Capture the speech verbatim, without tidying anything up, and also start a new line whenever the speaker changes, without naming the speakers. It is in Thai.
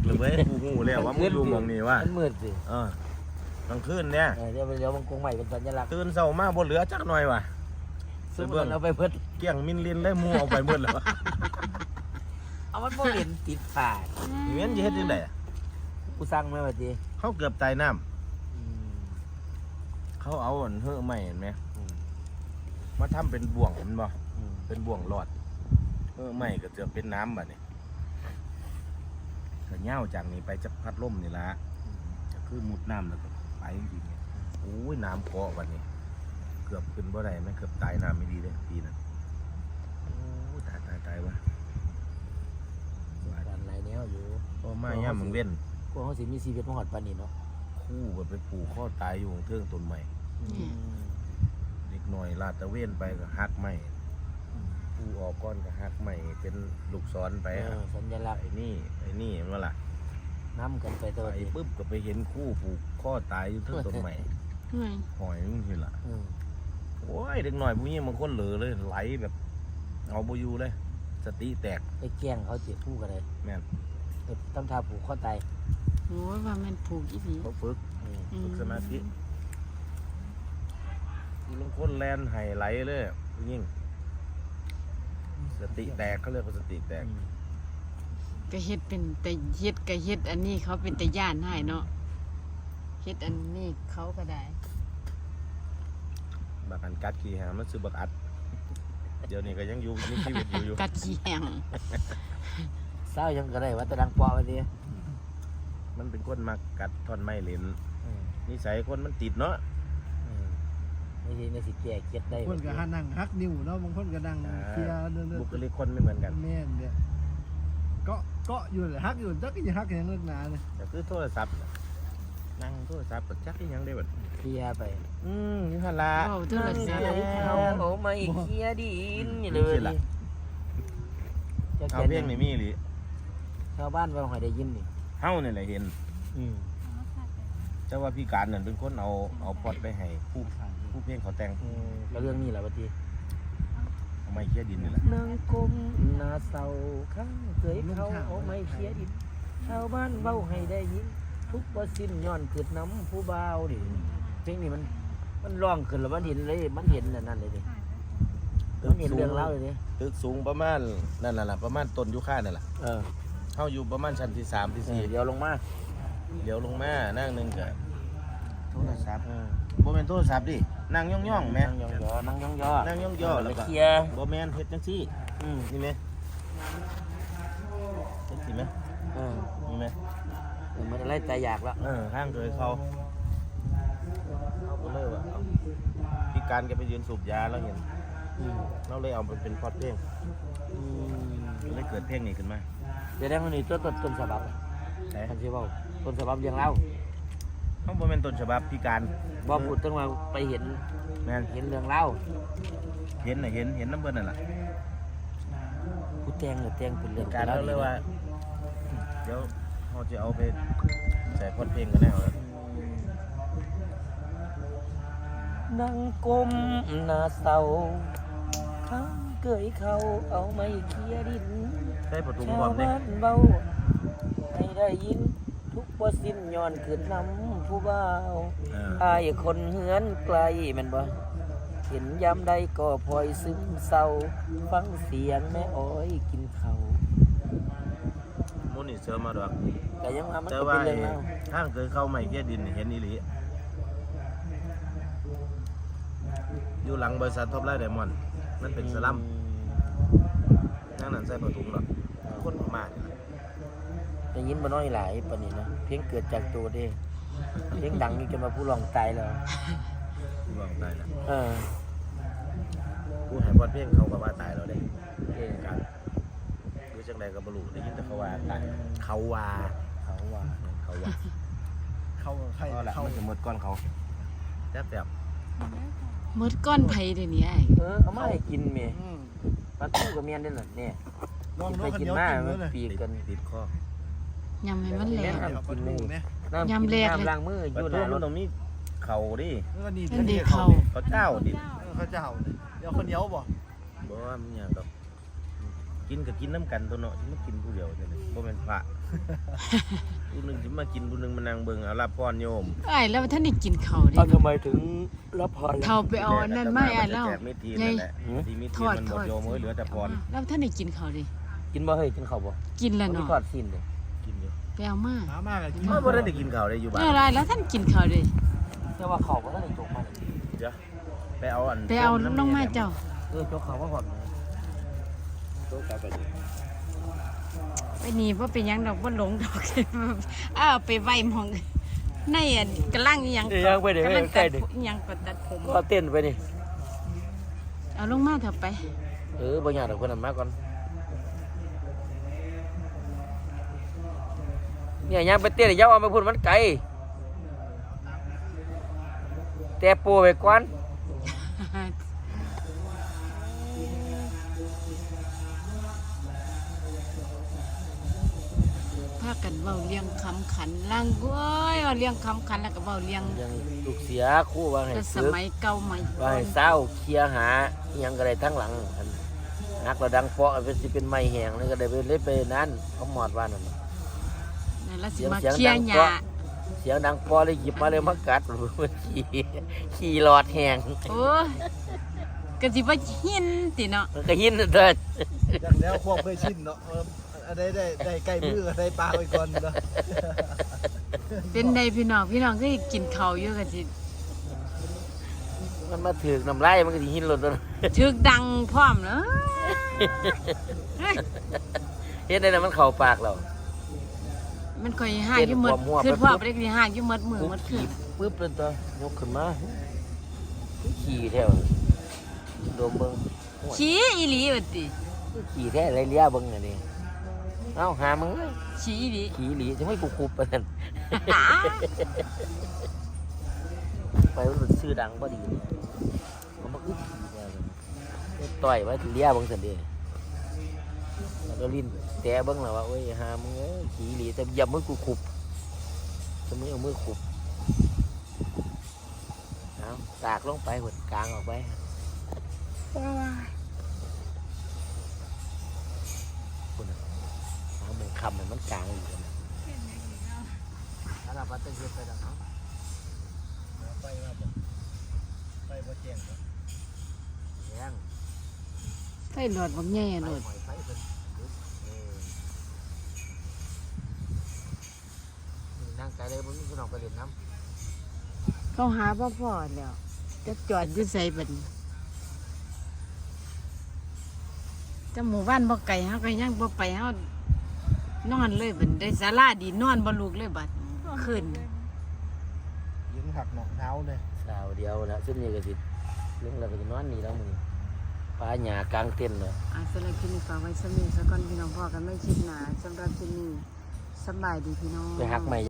เลยเว้ยกูหูแล้วว่ามึงอยู่มองนี่ว่า
มันมืดสิ
เออกลางคืนเนี่ย
เดี๋ยวเดี๋ยวมันคงใหม่เป็นสัญลักษณ์
ตื่นเช้ามาบ่เหลือจักหน่อยว่ะ
ซื้อเบิ่งเอาไปเพิ่น
เกี่ยงมินลินเลยมูเอาไปหมดแล้ว
เอามันบ่เห็นติดผ่า
เงี้ยจะเฮ็ดจังได๋
กูสั่งมาว่าติ
เขาเกือบตายน้ำเขาเอาอันเฮ้อใหม่เห็นไหมมาทำเป็นบ่วงเห็นบ่เป็นบ่วงหลอดเฮ้อใหม่ก็จะเป็นน้ำบัดนี้ก็เง่าจากนี้ไปจะพัดลมนี่ละจะคือมุดน้ำแล้วก็ไปจริงๆโอ้ยน้ำเกาะวันนี้เกือบขึ้นบ่ได้ไหมเกือบตายน้ำไม่ดีเลยปีนั้นโอ้ตายตายตายวะ
การไหลแนวอยู่
พ่อมาย่ามึงเว้น
พวกเขาสิมีชีวิตมาหอดปานนี้เนาะ
คู่กันไปปลูกข้อตายอยู่เทิงต้นใหม่เด็กหน่อยลาดตะเวนไปก็หักใหม่ผู้ออกก้อนก็หักใหม่เป็นลูกศรไป
สัญลักษณ์
ไอ้นี่ไอ้นี่มันล่ะ
น้ำกันไปตัว
ไอ้ปุ๊บก็ไปเห็นคู่ผูกข้อตายอยู่เทิงต้นใหม่หอยมึงเห็นล่ะโอ้ยเด็กหน่อยพวกนี้มันคนเหลือเลยไหลแบบเอาบ่อยู่เลยสติแตก
ไอ้แก้งเขาเจ็บผู้กันเลย
แม่น
ตำทาผูกข้อตาย
โอ้ยว่ามันผูกอีหลี
เขาฝึกฝึกสมาธิลงคนแลนไห้ไหลเลยยิ่งสติแตกเขาเรียกว่าสติแตก
ก็เฮ็ดเป็นแต่เฮ็ดก็เฮ็ดอันนี้เขาเป็นแต่ย่านให้เนาะเฮ็ดอันนี้เขาก็ได้
บักอันกัดขี้หางมันซื้อบักอัดเดี๋ยวนี้ก็ยังอยู่มีชีวิตอยู่อยู่
กัดขี้หาง
เศร้ายังก็ได้ว่าตะดังปอไปดิ
มันเป็นคนมากัดท่อนไม้เหลนนิสัยคนมันติดเนาะ
ไม่ใช่ในสิแก่เก็ดได้
คนก็หานั่งฮักนิ้วเนาะบางคนก็นั่งเคลียร์เรื่อง
บุคลิกคนไม่เหมือนกัน
แม่นเนี่ยก็ก็อยู่เลยฮักอยู่จักจะฮักอย่างเลิกหนาเลย
แต่คือโทรศัพท์นั่งโทรศัพท์ก็จักยังได้แบบ
เคลียร์ไป
อืมนี่ฮะละ
โอ้โทรศัพท์
เขาโอ้ไม่เคลียร์ดินนี่เลย
เอาเพียงนี่มีหรือ
ชาวบ้านว่าหอยได้ยินนี่
เฮ้าเนี่ยแหละเห็นเจ้าว่าพี่การนั่นเป็นคนเอาเอาพอดไปให้ผู้ผู้เพียงเขาแต่ง
แล้วเรื่องนี้แหละวันที่
เอาไม้เคี้ยดินนี่แหละ
นางกมนาเศร้าข้างเคยเขาเอาไม้เคี้ยดินชาวบ้านเว้าให้ได้ยินทุกบ่สิ้นย้อนเกิดน้ำผู้บ่าวดิเพลงนี้มันมันร้องขึ้นแล้วมันเห็นเลยมันเห็นนั่นเลยดิมันเห็นเรื่องเล่าเลยดิ
ตึกสูงประมาณนั่นแหละประมาณต้นยุค่านั่นแหละ
เออ
เข้าอยู่ประมาณชั้นที่สามที่สี่
เดี๋ยวลงมา
เดี๋ยวลงมานั่งหนึ่งกับโทรศัพท์โบแมนโทรศัพท์ดินั่งย่องย่องแม่
นั่งย่องย่อนั่งย่องย่อ
นั่งย่องย่อแล้วก็
เคลียร์
โบแมนเฮ็ดจังซี่นี่ไหมเฮ็ดสิไหมนี่ไหม
มันอะไรแต่อยากแล้ว
เออข้างเคยเขาเขาก็เลยว่าพี่การแกไปยืนสูบยาแล้วเห็นเราเลยเอาไปเป็นพอดเพลงเลยเกิดเพลงนี้ขึ้นมา
เดี๋ยวได้คนนี้ต้นต้นต้นฉบับท่านเชื่อว่าต้นฉบับยังเล่า
เขาบอกเป็นต้นฉบับพี่การ
บ่พูดตั้งมาไปเห็น
แม่
เห็นเรื่องเล่า
เห็นน่ะเห็นเห็นน้ำเบิ้ลนั่นแหละ
ผู้แตงหรือแตงเป็นเรื่อง
การเราเลยว่าเดี๋ยวเขาจะเอาไปใส่พอดเพลงกันแน่เลย
นั่งกลมหน้าเศร้าข้างเกยเขาเอาไม้เคี้ยดิน
ได้ประตูบอมเนี่ย
เบาให้ได้ยินทุกว่าสิ้นย้อนขึ้นน้ำผู้บ่าวอายคนเหือนไกลแม่นบ่เห็นยามใดก็พลอยซึมเศร้าฟังเสียงแม่อ้อยกินข้าว
มุนี่เสือมาดอก
แต่ยังว่ามัน
เป็นเรื่องแล้วทางเคยเข้าใหม่เกี้ยดินเห็นอีหลีอยู่หลังบริษัทท็อปไลท์ไดมอนด์มันเป็นสลัมนั่งนั่นใส่ประตูหรอกคนพม่าเนี่ย
ได้ยินบ่น้อยหลายปานนี้นะเพียงเกิดจากตัวเด้เพียงดังนี่จนมาผู้ร้องตายแล้ว
ผู้ร้องตายแล้ว
เออ
ผู้ให้พอดเพลงเขาก็ว่าตายแล้วเด้การคือจังไดก็บ่รู้ได้ยินแต่เขาว่าตายเขาว่า
เขาว่า
เขาว่า
เขาใคร
เขามันจะหมดก้อนเขาแซ่บแบบ
หมดก้อนไผเดี๋ยวนี้ไอ้
เออเอามาให้กินแม่ปลาทูกับเมียนได้ล่ะเนี่ยไปกินมาปีกัน
ติดค
อยำให้มันแหลก
ยำแหลกล้างมืออยู่นะ
รถตรงนี้เข่าดิ
นั่นดิเข่า
เขาเจ้าดิ
เขาเจ้าเดี๋ยวคนเดียวบ่
บ่ว่ามันอย่างดอกกินกับกินน้ำกันตัวเนาะมันกินผู้เดียวเนี่ยบ่เป็นพระผู้หนึงสิมากินผู้หนึงมานั่งเบิ่งเอารับพรโยม
ไอ้แล้วท่านได้กินข้าวดิ
เอาทำไมถึงรับพรล่ะ
เขาไปเอาอันนั่นไม่ไอ้แล้ว
แจกมิตรทีนั่นแหละที่มิตรทีมันหมดโยมเอ้ยเหลือแต่พร
แล้วท่านได้กินข้าวดิ
กินบ่เฮ้ยกินข้าวบ่
กินแล้ว
มี
เนาะ
ทอดสิ้นเลย
กินอยู่
ไปเอามา
หามากอะกิน
เมื่อบ่ได้กินข้าวได้อยู่บ้าน
แล้วอะไรแล้วท่านกินข้าวดิ
แต่ว่าข้าวบ่ทันได้จกมาเลย
เดี๋ยวไปเอาอัน
ไปเอาลงมาเจ้า
เออจกข้าวมาพร้อมเลย
โต๊ะกลับไปดิ
ไปนี่บ่เป็นหยังดอกบ่หลงดอก อ้าวไปไว้หมองในอันกำลังอีหยัง
เดี๋ยวยังไปเดี๋ยว
กำ
ไป
ลัง
ใก
ตั
ล้
ด
ดิ
ผมอีหยังก็ตัดผม
ก็เต้นไปนี่
เอาลงมาเถอะไป
เออบ่ยากดอกเพิ่นนำมาก่อนเนี่ยยังไปเต้นอย่าเอาไปพูดมันไกลแต่ปูไปก่อน
พากันเว้าเลี้ยงคำขันลังเว้ยเอาเลี้ยงคำขันแล้วก็เว้าเลี้ยง
ยังลูกเสียครู่ว่าให้
แต่ส
ซื้อ
มัยเก่าใหม่
ว่าให้เศร้าเคลียร์หาอิหยังก็ได้ทั้งหลังอันนักระดังเปาะเป็นสิเป็นไม้แห้งนี่ก็ได้ไปเล่นไปนั้นเขาหมอดว่านั่น
นั่นละสิ
เสียง
มา
เสียง
เคลีย
ดั
ร์
ง
หญ้า
เปาะเสียงดังเปอเลยหยิบมาเลยมากัด ขี่ขี่หลอดแห้ง
โอ้ยก็สิว่าหินติเนาะ
มันก็หินเถิด
อย่างแล้วพวกเคยชินเนาะเอออันได้ได้ได้ใกล้มือได้ปลาไปก่อนเนาะ
เป็นใดพี่น้องพี่น้องก็กินข้าวอยู่ก็สิ
มันมาถือกน้ำลายมันก็สิหินหลดตัว
ถึกดังพร้อมเนาะ
เฮ็ดได้นะมันเข้าปากเรา
มันค่อยหากอยู่หมด
เต้นหัวมั่ว
คือ
ไป
พ่อ
ปุ๊บ
บ่ได้สิหากอยู่หมดมือหมดคื
ขี่
น
ปึ๊บเป็นตัวยกขึ้นมาขี่แถวโดมเบิ่ง
ขี้อีหลีว่าติ
ขี่แท้ไรเลี้ยเบิ่งอันนี้เอ้าหามึงเอ้ย
ขี้อีหลี
ขี่หลีจะไม่กูคุบปานนั้นไปมันชื่อดังบ่ดีมันมาอึดขี่แท้เลยต่อยไว้เลี้ยเบิ่งซั่นเด้แล้วก็ลิ้นแต่เบิ่งแล้วว่าโอ้ยหามึงเอ้ยขี่หลีแต่อย่ามือกูคุบจะมือเอามือคุบเอาตากลงไปหดกลางออกไปคุณน่ะหามึงคำมันกลางอยู่นะถ้าเราพัดตะเกียบไปดังเนาะ
ไปมาบ่ไปบ่แจ้งบ่
แย่ง
ไฟหลอดบักใหญ่อะ
ไป
โลด
หอยไฟเพิ่นเออนี่นั่งไกลเลยบ่มีพี่น้องไปเล่นน้ำ
เขาหาบ่พอแล้วจะจอดอยู่ไสบัดนี้แต่หมู่บ้านบ่ไกลเฮาก็ยังบ่ไปเฮานอนเลยบัดได้ศาลาดีนอนบ่ลุกเลยบัดขึ้น
ยิงหักหนองเท้าเลย
สาวเดียวนะซึ่งนี่ก็สิเรื่องเราก็จะนอนนี่แล้วมึงปลาหยากลางเต็นท์เลย
อ่าสำหรับคลิปนี้ฝากไว้สำหรับสักก่อนพี่น้องพ่อกันไม่คิดหนาสำหรับคลิปนี้สำบายดีพี่น้อง
ไปหักใหม่